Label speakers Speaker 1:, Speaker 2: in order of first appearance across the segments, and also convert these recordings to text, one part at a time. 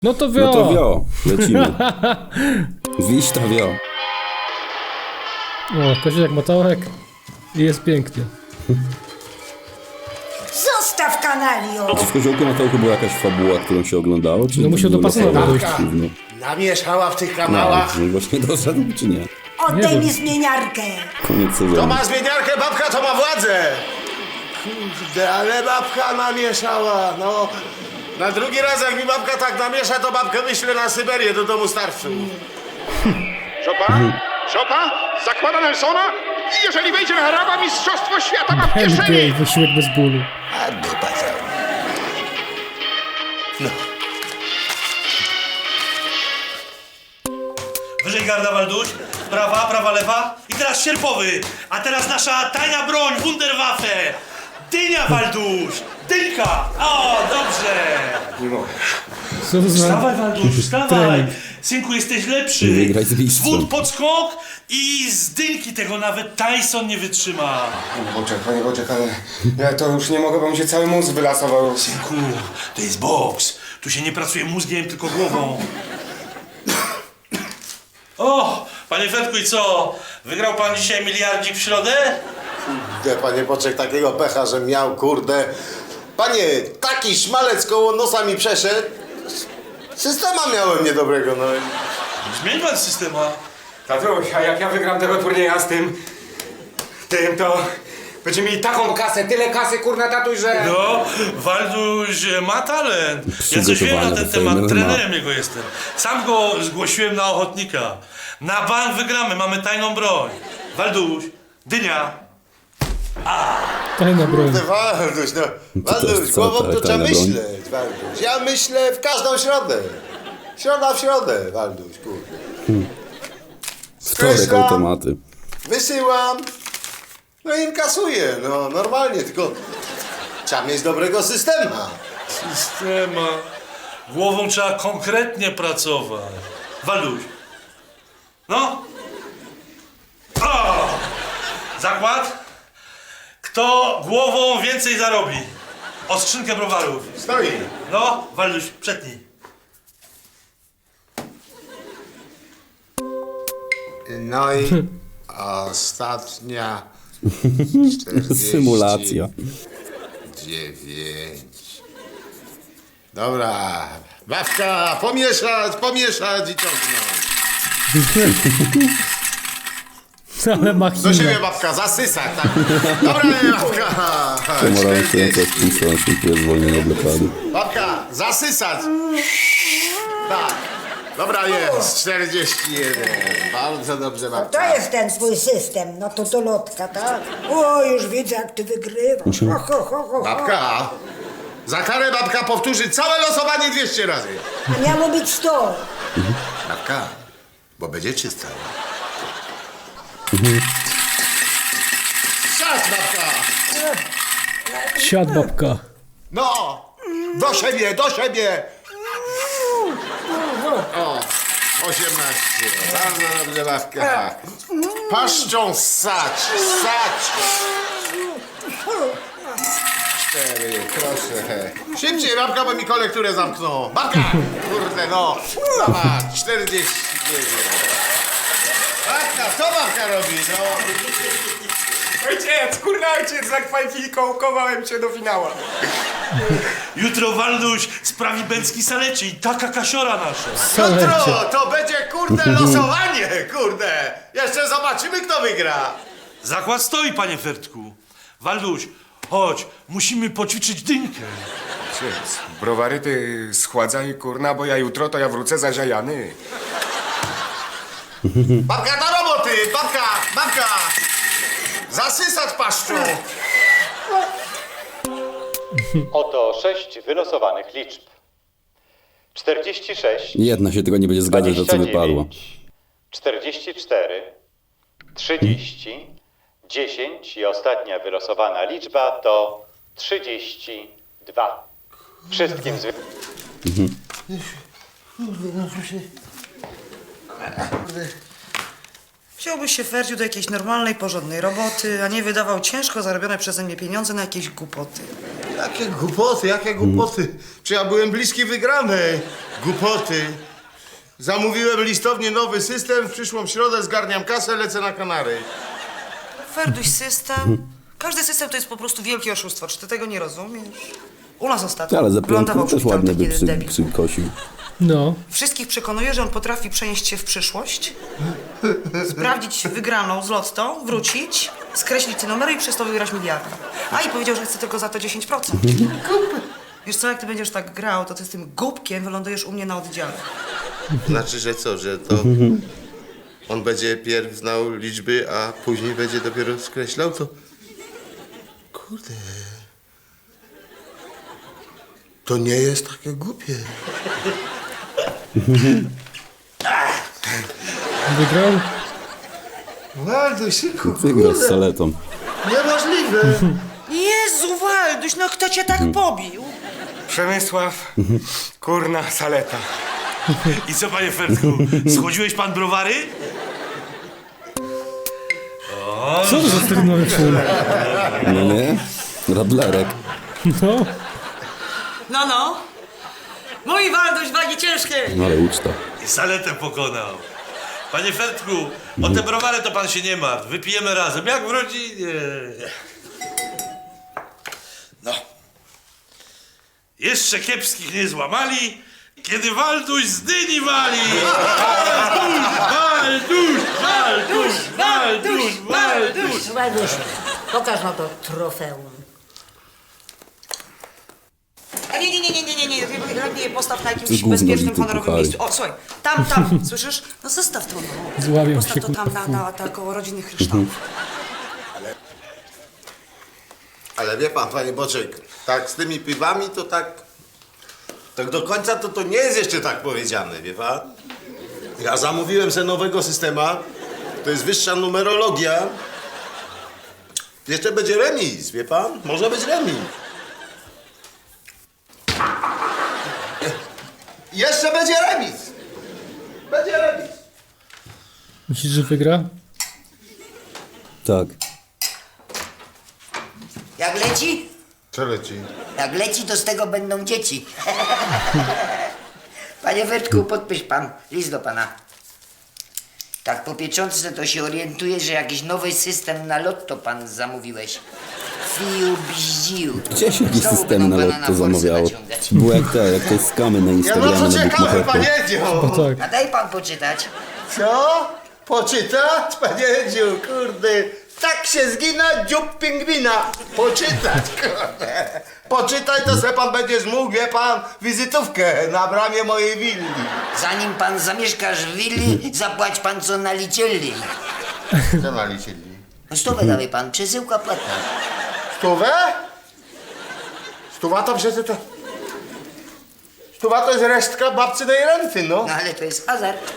Speaker 1: No to wio!
Speaker 2: No to wio, lecimy. Wiś to wio.
Speaker 1: O, koziołek motołek i jest pięknie.
Speaker 3: Zostaw kanalio!
Speaker 2: Czy w Koziołku na Tołku była jakaś fabuła, którą się oglądało? Czy
Speaker 1: No musiał
Speaker 2: było
Speaker 1: dopasować
Speaker 2: losowo?
Speaker 1: dojść.
Speaker 2: No,
Speaker 4: Namieszała w tych
Speaker 2: no,
Speaker 4: kanałach.
Speaker 2: no właśnie doszedł, czy nie?
Speaker 3: Oddaj
Speaker 1: Nie
Speaker 3: mi
Speaker 1: wiem.
Speaker 3: zmieniarkę!
Speaker 2: Koniec
Speaker 4: To
Speaker 2: sezonu.
Speaker 4: ma zmieniarkę, babka to ma władzę. Kurde, ale babka namieszała, no. Na drugi raz jak mi babka tak namiesza, to babkę wyślę na Syberię do domu starszych.
Speaker 5: Chopin? Chopin? Zakłada Nelsona? I jeżeli wejdzie na Araba, mistrzostwo świata ma w
Speaker 1: NBA,
Speaker 5: kieszeni!
Speaker 1: wysiłek bez bólu.
Speaker 4: A dupa cała.
Speaker 6: Wyżej garda Walduś, prawa, lewa i teraz sierpowy, a teraz nasza tajna broń, Wunderwaffe! Dynia Walduś, dynka! O, dobrze!
Speaker 1: Co to za...
Speaker 6: Wstawaj Walduś, wstawaj!
Speaker 1: Trening.
Speaker 6: Synku, jesteś lepszy!
Speaker 2: Wygraj z mistrzem.
Speaker 6: wód pod skok i z dynki tego nawet Tyson nie wytrzyma!
Speaker 7: Panie Boczek, ale ja to już nie mogę, bo mi się cały mózg wylasował.
Speaker 6: Synku, to jest boks. Tu się nie pracuje mózgiem, tylko głową. O, panie Fredku, i co? Wygrał pan dzisiaj miliardzik w środę?
Speaker 4: Kurde, panie Boczek, takiego pecha, że miał, kurde. Panie, taki szmalec koło nosa mi przeszedł. Systema miałem niedobrego, no.
Speaker 6: Zmień pan systema.
Speaker 7: Tatuś, a jak ja wygram tego turnieja z tym, to będziemy mieli taką kasę, tyle kasy, kurna, tatuś, że...
Speaker 6: No, Walduś ma talent. Ja coś wiem na ten temat, trenerem jego jestem. Sam go zgłosiłem na ochotnika. Na bank wygramy, mamy tajną broń. Walduś, dynia.
Speaker 1: Tajna broń.
Speaker 4: Walduś, no. Walduś,
Speaker 2: co,
Speaker 4: głową to trzeba
Speaker 2: tajna broń?
Speaker 4: myśleć, Walduś. Ja myślę w każdą środę. Środa w środę, Walduś, kurde.
Speaker 2: Wtorek
Speaker 4: Skreślam,
Speaker 2: automaty.
Speaker 4: wysyłam, no i inkasuję, no normalnie, tylko trzeba mieć dobrego systema.
Speaker 6: Systema. Głową trzeba konkretnie pracować. Walduś. No. O! Zakład. Kto głową więcej zarobi? O skrzynkę browarów.
Speaker 4: Stoi.
Speaker 6: No, Walduś, przetnij.
Speaker 4: No i ostatnia 49.
Speaker 2: Symulacja.
Speaker 4: Dobra, babka, pomieszać i ciągnąć.
Speaker 1: Ale
Speaker 4: Do
Speaker 1: machina.
Speaker 4: siebie babka, zasysać, tak. Dobra, babka.
Speaker 2: Pomarańczująca wpisała się tu jest zwolnienie blokady.
Speaker 4: Babka, zasysać. Tak. Dobra, jest, 41. Bardzo dobrze,
Speaker 3: To
Speaker 4: babka.
Speaker 3: jest ten twój system, no to lotka, tak? O, już widzę, jak ty wygrywasz. Ho, ho, ho, ho.
Speaker 4: Babka, za karę babka powtórzy całe losowanie 200 razy.
Speaker 3: Miało być 100.
Speaker 4: Babka, bo będzie czysta. Czas, babka.
Speaker 1: Siad babka.
Speaker 4: No, do siebie, do siebie. O, 18. Bardzo dobrze, babka. Paszczą ssać, ssać. 4, proszę. Szybciej, babka, bo mi kolekturę zamkną. Babka, kurde, no. Zobacz, 49. Babka, co babka robi, no?
Speaker 7: Ojciec, kurna ojciec, zakwalifikowałem się do finału.
Speaker 6: Jutro Walduś sprawi bęcki salecie i taka kasiora nasza.
Speaker 1: Salecie.
Speaker 4: Jutro to będzie, kurde, losowanie, kurde. Jeszcze zobaczymy, kto wygra.
Speaker 6: Zakład stoi, panie Fertku. Walduś, chodź, musimy poćwiczyć dynkę.
Speaker 7: Ojciec, browary ty schładzaj, kurna, bo ja jutro to ja wrócę zaziajany.
Speaker 4: Babka do roboty, babka, babka. Zasysać paszczą.
Speaker 8: Oto 6 wylosowanych liczb. 46,
Speaker 2: Jedna się tylko nie będzie zgadzać, że co wypadło.
Speaker 8: 44, 30, 10 i ostatnia wylosowana liczba to 32. Wszystkim
Speaker 9: Wziąłbyś się, Ferdziu, do jakiejś normalnej, porządnej roboty, a nie wydawał ciężko zarobione przeze mnie pieniądze na jakieś głupoty.
Speaker 4: Jakie głupoty. Czy ja byłem bliski wygranej? Głupoty. Zamówiłem listownie nowy system, w przyszłą środę zgarniam kasę, lecę na Kanary.
Speaker 9: Ferduś, system. Każdy system to jest po prostu wielkie oszustwo. Czy ty tego nie rozumiesz? U nas ostatnio
Speaker 2: Ale za
Speaker 9: wylądował
Speaker 2: piątką też
Speaker 9: przywitał
Speaker 2: ładnie
Speaker 9: taki
Speaker 2: by
Speaker 9: jeden debil.
Speaker 2: przykosił.
Speaker 1: No.
Speaker 9: Wszystkich przekonuje, że on potrafi przenieść się w przyszłość, sprawdzić wygraną z lotto, wrócić, skreślić te numery i przez to wygrać miliardy. A i powiedział, że chce tylko za to 10%. Wiesz co, jak ty będziesz tak grał, to ty z tym głupkiem wylądujesz u mnie na oddziale.
Speaker 4: Znaczy, że co, że to on będzie pierw znał liczby, a później będzie dopiero skreślał, to... Kurde... To nie jest takie głupie.
Speaker 1: Wygrał?
Speaker 4: Waldusiku,
Speaker 2: Wygrał z saletą.
Speaker 4: Niemożliwe.
Speaker 9: Jezu, Walduś, no kto cię tak pobił?
Speaker 7: Przemysław, kurna, saleta.
Speaker 6: I co, panie Fertku, schłodziłeś pan browary?
Speaker 1: Co to za terenowy full?
Speaker 2: No nie? Radlerek.
Speaker 1: No.
Speaker 9: No. Mój Walduś, wagi ciężkie.
Speaker 2: No ale uczta.
Speaker 6: I saletę pokonał. Panie Fertku, o te browary to pan się nie martw. Wypijemy razem, jak w rodzinie. No. Jeszcze kiepskich nie złamali, kiedy Walduś z dyni wali.
Speaker 3: Walduś, pokaż no to trofeum.
Speaker 9: A nie, postaw na
Speaker 2: To
Speaker 9: jakimś
Speaker 2: gówno
Speaker 9: bezpiecznym,
Speaker 2: bity
Speaker 9: honorowym
Speaker 2: puchary.
Speaker 9: miejscu. O, słuchaj, tam, słyszysz? No zostaw to, no.
Speaker 1: Zławią
Speaker 9: Postaw
Speaker 1: się,
Speaker 9: to tam
Speaker 1: kurwa.
Speaker 9: na koło rodzinnych kryształów.
Speaker 4: Ale wie pan, panie Boczek, tak z tymi piwami to tak do końca to nie jest jeszcze tak powiedziane, wie pan? Ja zamówiłem sobie nowego systema, to jest wyższa numerologia. Jeszcze będzie remis, wie pan? Może być remis. Jeszcze będzie remis. Będzie remis.
Speaker 1: Myślisz, że wygra?
Speaker 2: Tak.
Speaker 3: Jak leci?
Speaker 4: Co leci?
Speaker 3: Jak leci, to z tego będą dzieci. Panie Wertku, podpisz pan list do pana. Tak po pieczątce to się orientuję, że jakiś nowy system na lotto pan zamówiłeś. Fiu, bździu.
Speaker 2: Gdzie się jakiś
Speaker 3: Znowu
Speaker 2: system
Speaker 3: będą
Speaker 2: na
Speaker 3: pana
Speaker 2: lotto
Speaker 3: forsy
Speaker 2: zamawiało?
Speaker 3: naciągać.
Speaker 2: Było jak te skamy na
Speaker 4: Ja
Speaker 2: Instagramie,
Speaker 4: no co
Speaker 2: na
Speaker 4: ciekawe,
Speaker 2: Bookmacherku.
Speaker 4: panie Edziu.
Speaker 1: No tak.
Speaker 3: A daj pan poczytać.
Speaker 4: Co? Poczytać, panie Edziu, kurde. Tak się zgina dziób pingwina. Poczytać, kurde. Poczytaj, to se pan będziesz mógł, wie pan, wizytówkę na bramie mojej willi.
Speaker 3: Zanim pan zamieszkasz w willi, zapłać pan co naliczyli.
Speaker 4: Co naliczyli?
Speaker 3: No stówę dawaj pan, przesyłka płatna.
Speaker 4: Stówę? Stuwa to przecież to... Stuwa to jest resztka babcynej renty, no.
Speaker 3: No ale to jest hazard.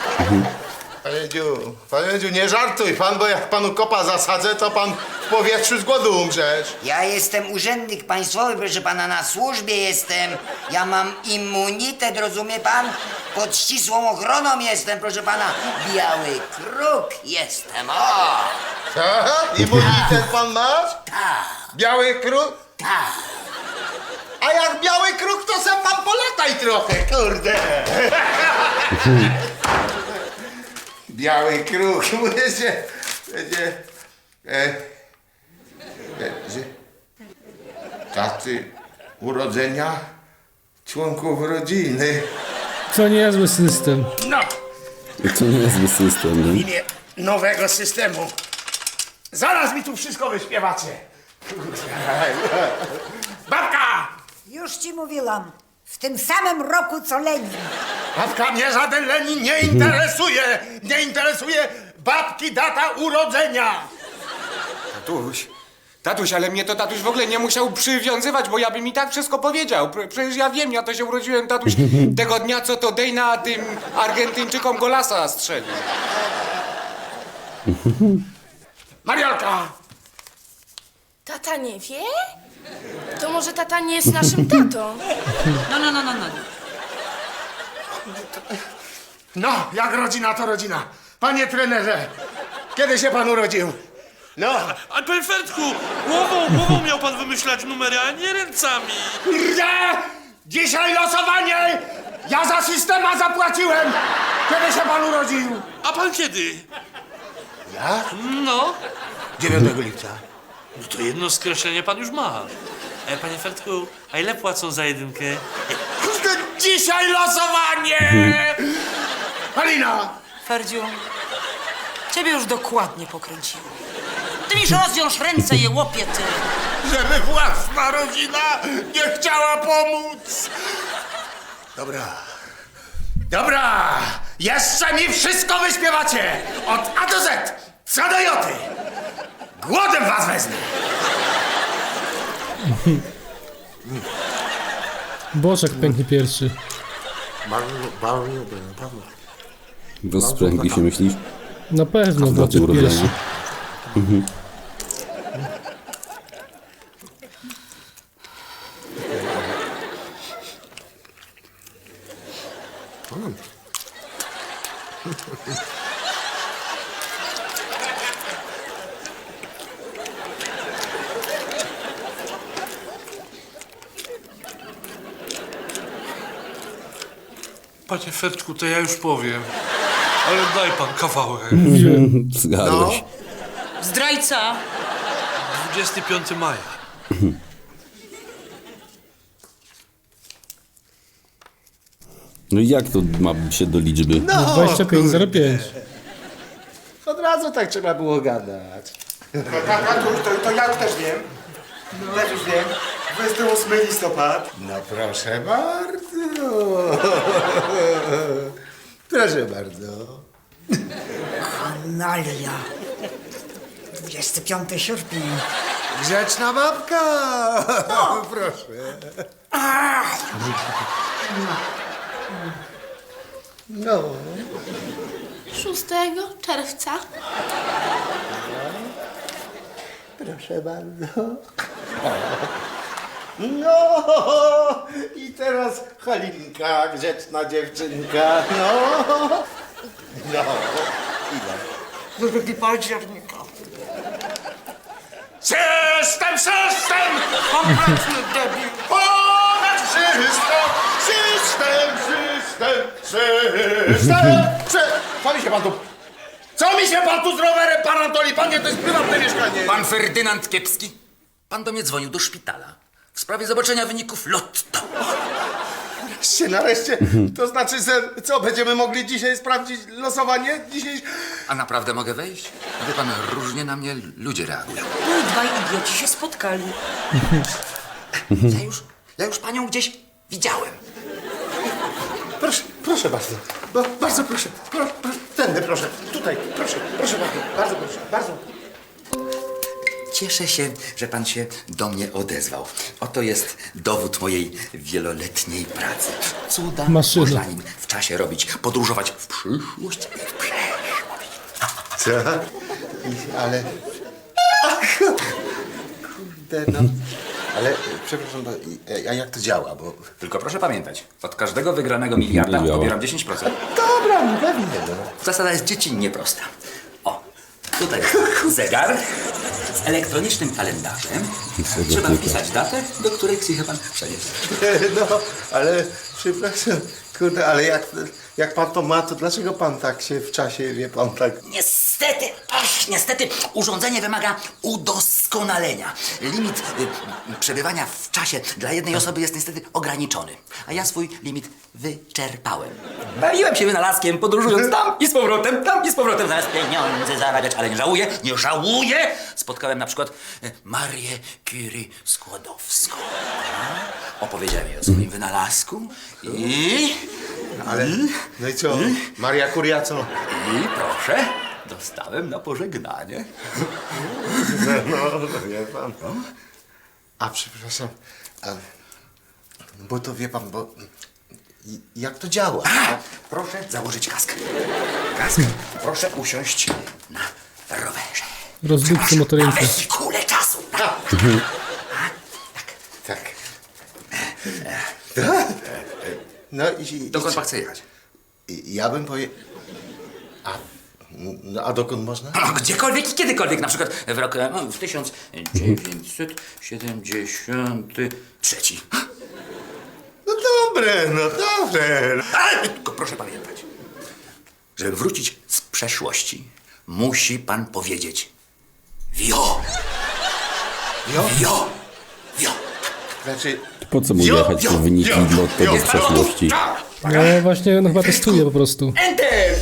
Speaker 4: Panie Edziu, nie żartuj pan, bo jak panu kopa zasadzę, to pan w powietrzu z głodu umrzesz.
Speaker 3: Ja jestem urzędnik państwowy, proszę pana, na służbie jestem. Ja mam immunitet, rozumie pan? Pod ścisłą ochroną jestem, proszę pana. Biały kruk jestem, o!
Speaker 4: Co? Immunitet pan masz?
Speaker 3: Tak,
Speaker 4: Biały kruk?
Speaker 3: tak.
Speaker 4: A jak biały kruk, to se pan polataj trochę, kurde. Biały kruk, będzie... Będzie... Daty urodzenia członków rodziny.
Speaker 1: Co niezły system.
Speaker 4: No,
Speaker 2: To nie jest zły system, nie?
Speaker 4: imię nowego systemu. Zaraz mi tu wszystko wyśpiewacie. Babka!
Speaker 3: Już ci mówiłam, w tym samym roku co Lenin.
Speaker 4: Babka, mnie żaden Lenin nie interesuje! Nie interesuje babki data urodzenia!
Speaker 7: Tatuś, ale mnie to tatuś w ogóle nie musiał przywiązywać, bo ja bym i tak wszystko powiedział. Przecież ja wiem, ja to się urodziłem, tatuś, tego dnia, co to Dejna tym Argentyńczykom golasa strzelił.
Speaker 4: Mariolka!
Speaker 10: Tata nie wie? To może tata nie jest naszym tatą?
Speaker 9: No.
Speaker 4: No, jak rodzina to rodzina. Panie trenerze, kiedy się pan urodził? No.
Speaker 6: A panie Fertku, głową miał pan wymyślać numery, a nie ręcami.
Speaker 7: Kurde! Dzisiaj losowanie! Ja za systema zapłaciłem! Kiedy się pan urodził?
Speaker 6: A pan kiedy?
Speaker 4: Ja?
Speaker 6: No.
Speaker 4: 9 lipca.
Speaker 6: No to jedno skreślenie pan już ma. Panie Fertku, a ile płacą za jedynkę?
Speaker 7: Kurde, dzisiaj losowanie! Halina!
Speaker 9: Ferdziu, ciebie już dokładnie pokręciło. Ty miś rozwiąż ręce, je łopie, ty.
Speaker 7: Żeby własna rodzina nie chciała pomóc! Dobra! Jeszcze mi wszystko wyśpiewacie! Od A do Z! Co do joty! Głodem was wezmę!
Speaker 1: Boczek pęknie pierwszy.
Speaker 2: Rozprzęgli się, myślisz?
Speaker 1: Na pewno
Speaker 2: W dacie
Speaker 1: Boczek
Speaker 2: urodzenia.
Speaker 1: pierwszy.
Speaker 6: Panie Fertku, to ja już powiem. Ale daj pan kawałek.
Speaker 2: Zgadłeś.
Speaker 9: Zdrajca!
Speaker 6: 25 maja.
Speaker 2: No i jak to ma się do liczby?
Speaker 1: 25,05.
Speaker 11: Od razu tak trzeba było gadać.
Speaker 7: To ja już też wiem. Też już wiem. 28 listopad.
Speaker 11: No proszę bardzo. Proszę bardzo.
Speaker 9: Nalia. 25 sierpnia.
Speaker 11: Grzeczna babka. Proszę. No.
Speaker 10: 6 czerwca.
Speaker 11: Proszę bardzo. No i teraz Halinka, grzeczna dziewczynka. No.
Speaker 9: Drugi października.
Speaker 7: System!
Speaker 9: Kompletny debil.
Speaker 7: Ponad wszystko! System! Co mi się pan tu z rowerem, pan Antoli? Panie, to jest prywatne mieszkanie.
Speaker 3: Pan Ferdynand Kiepski, pan do mnie dzwonił do szpitala w sprawie zobaczenia wyników lotto.
Speaker 11: Nareszcie, to znaczy, że co, będziemy mogli dzisiaj sprawdzić losowanie? Dzisiaj...
Speaker 3: A naprawdę mogę wejść? Wie pan, różnie na mnie ludzie reagują.
Speaker 9: No i dwaj idioci się spotkali.
Speaker 3: Ja już panią gdzieś widziałem.
Speaker 11: Proszę bardzo. Bardzo proszę. Tędy proszę. Tutaj, proszę. Proszę bardzo. Bardzo proszę. Bardzo.
Speaker 3: Cieszę się, że pan się do mnie odezwał. Oto jest dowód mojej wieloletniej pracy. Cuda
Speaker 1: Maszyna.
Speaker 3: można nim w czasie robić. Podróżować w przyszłość i w przeszłość.
Speaker 11: Co? Ale... Kurde, no. Ale, przepraszam, a jak to działa, bo...
Speaker 3: Tylko proszę pamiętać, od każdego wygranego miliarda
Speaker 2: Nie działa.
Speaker 3: pobieram 10%.
Speaker 11: Dobra, no pewnie, no.
Speaker 3: Zasada jest dziecinnie prosta. O, tutaj jest zegar z elektronicznym kalendarzem. Trzeba wpisać datę, do której chce pan przenieść.
Speaker 11: No, ale przepraszam, kurde, ale jak pan to ma, to dlaczego pan tak się w czasie, wie pan, tak...
Speaker 3: Niestety, urządzenie wymaga udoskonalenia. Limit przebywania w czasie dla jednej osoby jest niestety ograniczony. A ja swój limit wyczerpałem. Bawiłem się wynalazkiem, podróżując tam i z powrotem, zamiast pieniądze zarabiać, ale nie żałuję! Spotkałem na przykład Marię Curie Skłodowską. Opowiedziałem jej o swoim wynalazku i...
Speaker 11: Ale, no i co, Maria Curia co?
Speaker 3: I proszę, dostałem na pożegnanie.
Speaker 11: No, wie pan. A przepraszam, bo to wie pan, bo... Jak to działa?
Speaker 3: Proszę założyć kask. Proszę usiąść na rowerze.
Speaker 1: Rozdupcy motorynki.
Speaker 3: Na wehikule czasu.
Speaker 11: Tak. No i...
Speaker 3: Dokąd pan chce jechać?
Speaker 11: Ja bym
Speaker 4: No, a dokąd można?
Speaker 12: No, gdziekolwiek i kiedykolwiek, na przykład w roku w 1973.
Speaker 4: No dobre.
Speaker 12: Ale tylko proszę pamiętać, żeby wrócić z przeszłości, musi pan powiedzieć wio. Wio.
Speaker 4: Znaczy,
Speaker 2: Po co mu jechać po wyniki lotto do przeszłości?
Speaker 1: No właśnie, no chyba testuje po prostu.
Speaker 12: Enter!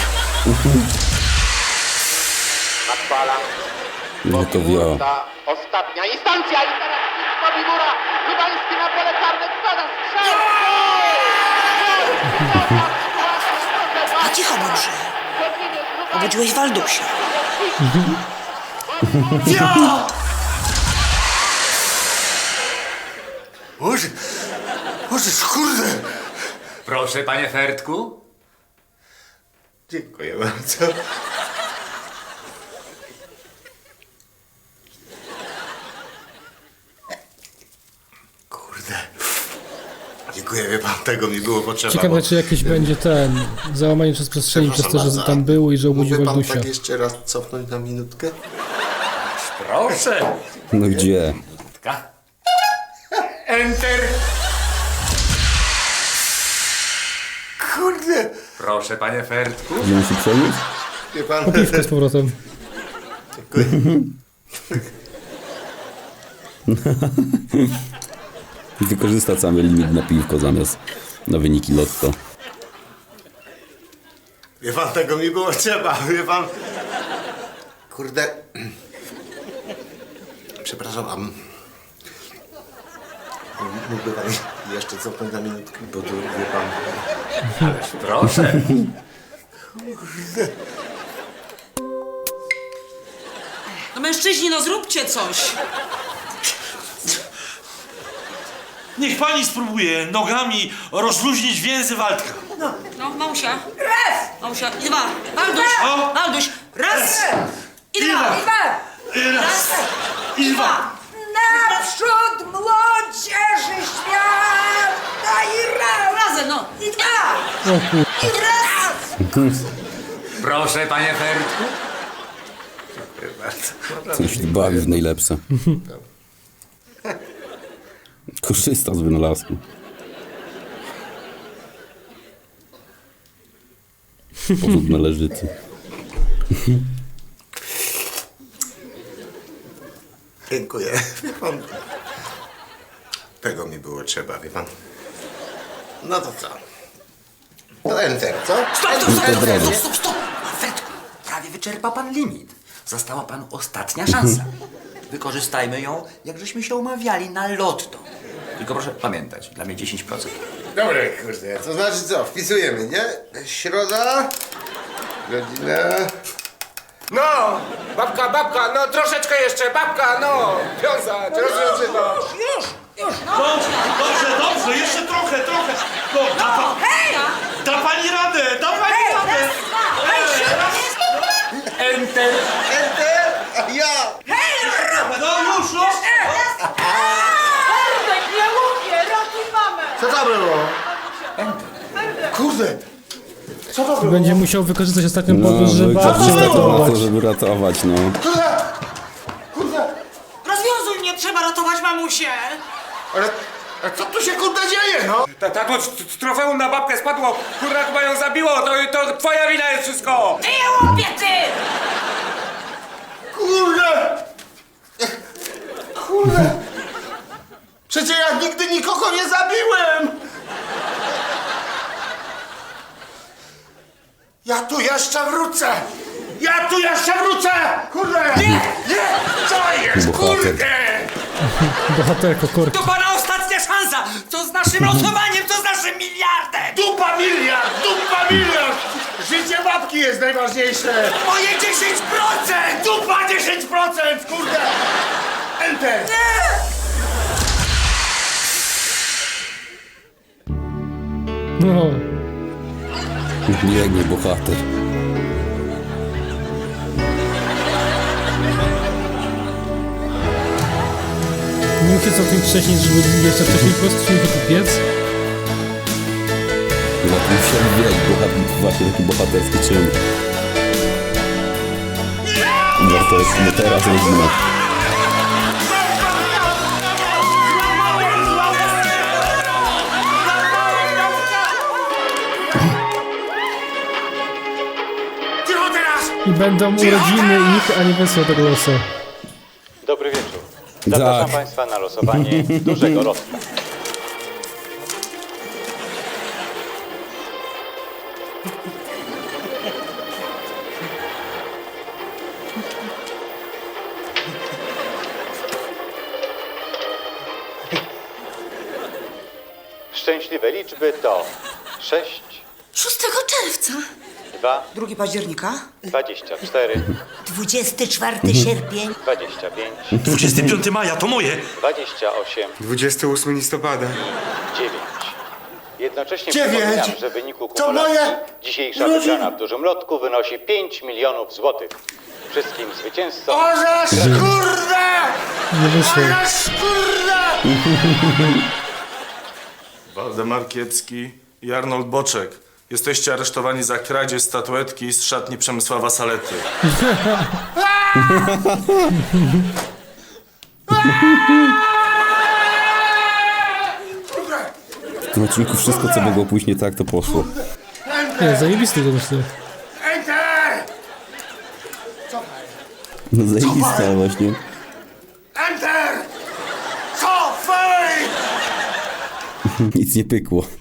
Speaker 2: No to wio.
Speaker 5: Ostatnia instancja i teraz Bibura. Lubański na pole karne wpada strzał!
Speaker 9: A cicho bądźże. Obudziłeś Waldusia.
Speaker 11: Boże, kurde!
Speaker 12: Proszę, panie Fertku.
Speaker 4: dziękuję bardzo. Kurde. Dziękuję, wie pan, tego mi było potrzeba.
Speaker 1: Ciekawe, czy jakiś będzie ten załamanie przez przestrzeni przez to, że tam było i że obudził
Speaker 11: Mógłby pan
Speaker 1: Waldusia.
Speaker 11: tak jeszcze raz cofnąć na minutkę?
Speaker 12: Proszę.
Speaker 2: No gdzie?
Speaker 12: Enter.
Speaker 11: Kurde!
Speaker 12: Proszę, panie Fertku.
Speaker 2: Gdzie musi przenieść?
Speaker 11: Wie pan,
Speaker 1: Piwko z powrotem.
Speaker 2: Wykorzysta cały limit na piwko zamiast na wyniki lotto.
Speaker 4: Wie pan, tego mi było trzeba, wie pan.
Speaker 11: kurde... Przepraszam, a mógłby pan jeszcze cofnąć na minutkę, bo tu, wie pan...
Speaker 12: Proszę.
Speaker 9: No mężczyźni, no zróbcie coś.
Speaker 6: Niech pani spróbuje nogami rozluźnić więzy Waldka.
Speaker 9: No, Małsia. Małsia, i dwa. Walduś,
Speaker 6: O!
Speaker 9: Walduś. Raz. I dwa.
Speaker 6: Raz i dwa.
Speaker 9: Naprzód młodzieży świata i razem, no. I dwa.
Speaker 1: O kur...
Speaker 9: I raz.
Speaker 12: Proszę, panie Fertku.
Speaker 2: Coś tu bawi w najlepsze. Korzysta z wynalazku. Sposób należyty.
Speaker 4: Dziękuję, wie pan. Tego mi było trzeba, wie pan. No to co? To enter, co?
Speaker 12: Stop! Fertku, prawie wyczerpał pan limit. Została panu ostatnia szansa. Wykorzystajmy ją, jak żeśmy się umawiali na lotto. Tylko proszę pamiętać, dla mnie 10%.
Speaker 11: Dobra, kurde, to znaczy co, wpisujemy, nie? Środa, godzina...
Speaker 7: No, babka, no troszeczkę jeszcze, babka, no. Wiązać, rozwiązywać.
Speaker 6: Dobrze, jeszcze trochę. No, da pani radę.
Speaker 12: Enter!
Speaker 11: Enter, a ja!
Speaker 6: No już.
Speaker 10: Nie lubię, ratuj mamę!
Speaker 11: Co to było? Kurde! Co to było?
Speaker 1: Będzie musiał wykorzystać ostatnią
Speaker 2: No,
Speaker 1: podróż, żeby babcię
Speaker 2: wykorzysta to na
Speaker 1: ratować.
Speaker 2: to, żeby ratować, no.
Speaker 11: Kurde!
Speaker 9: Rozwiązuj mnie, trzeba ratować mamusię.
Speaker 11: Ale co tu się kurde dzieje, no?
Speaker 7: Tato, trofeum na babkę spadło, kurwa chyba ją zabiło, to twoja wina jest wszystko!
Speaker 9: Ty je łopie, ty!
Speaker 11: Kurde! Kurde! Przecież ja nigdy nikogo nie zabiłem! Ja tu jeszcze wrócę! Kurde! Nie! Co jest,
Speaker 2: Bohater.
Speaker 11: kurde!
Speaker 1: Bohaterko, korki.
Speaker 9: To pana ostatnia szansa! Co z naszym losowaniem, co z naszym miliardem?
Speaker 11: Dupa miliard! Życie babki jest najważniejsze!
Speaker 9: Moje 10%!
Speaker 11: Dupa 10%, kurde! Enter!
Speaker 1: No.
Speaker 2: Biegnie bohater.
Speaker 1: Nie musicie całkiem wcześniej, żeby jeszcze wcześniej po prostu się kupiec.
Speaker 2: Za tym się wielki bohater, właśnie taki bohaterski czyn. to jest, no teraz rodzina.
Speaker 1: I będą urodziny ich, a nie wesło tego losu.
Speaker 8: Dobry wieczór. Zapraszam
Speaker 2: Tak.
Speaker 8: Państwa na losowanie dużego lotka. Szczęśliwe liczby to 6,
Speaker 9: 6 czerwca.
Speaker 8: 2,
Speaker 9: 2 października.
Speaker 8: 24,
Speaker 3: 24 sierpień.
Speaker 8: 25,
Speaker 6: 25 maja, to moje.
Speaker 8: 28,
Speaker 7: 28 listopada.
Speaker 8: 9. Jednocześnie
Speaker 11: 9.
Speaker 8: przypominam, że w wyniku
Speaker 11: To
Speaker 8: kumulacji
Speaker 11: moje
Speaker 8: dzisiejsza
Speaker 11: urodziny.
Speaker 8: wygrana w dużym lotku wynosi 5 milionów złotych. Wszystkim zwycięzcom
Speaker 11: Orzesz, kurde!
Speaker 1: Nie wyszło.
Speaker 11: Orzesz, kurde!
Speaker 13: Waldemar Kiepski i Arnold Boczek. Jesteście aresztowani za kradzież statuetki z szatni Przemysława Salety.
Speaker 2: W tym odcinku wszystko, co mogło pójść nie tak, to poszło.
Speaker 1: Nie, zajebisty to myślę.
Speaker 11: Enter!
Speaker 2: No zajebista właśnie.
Speaker 11: Enter! Cofaj!
Speaker 2: Nic nie pykło.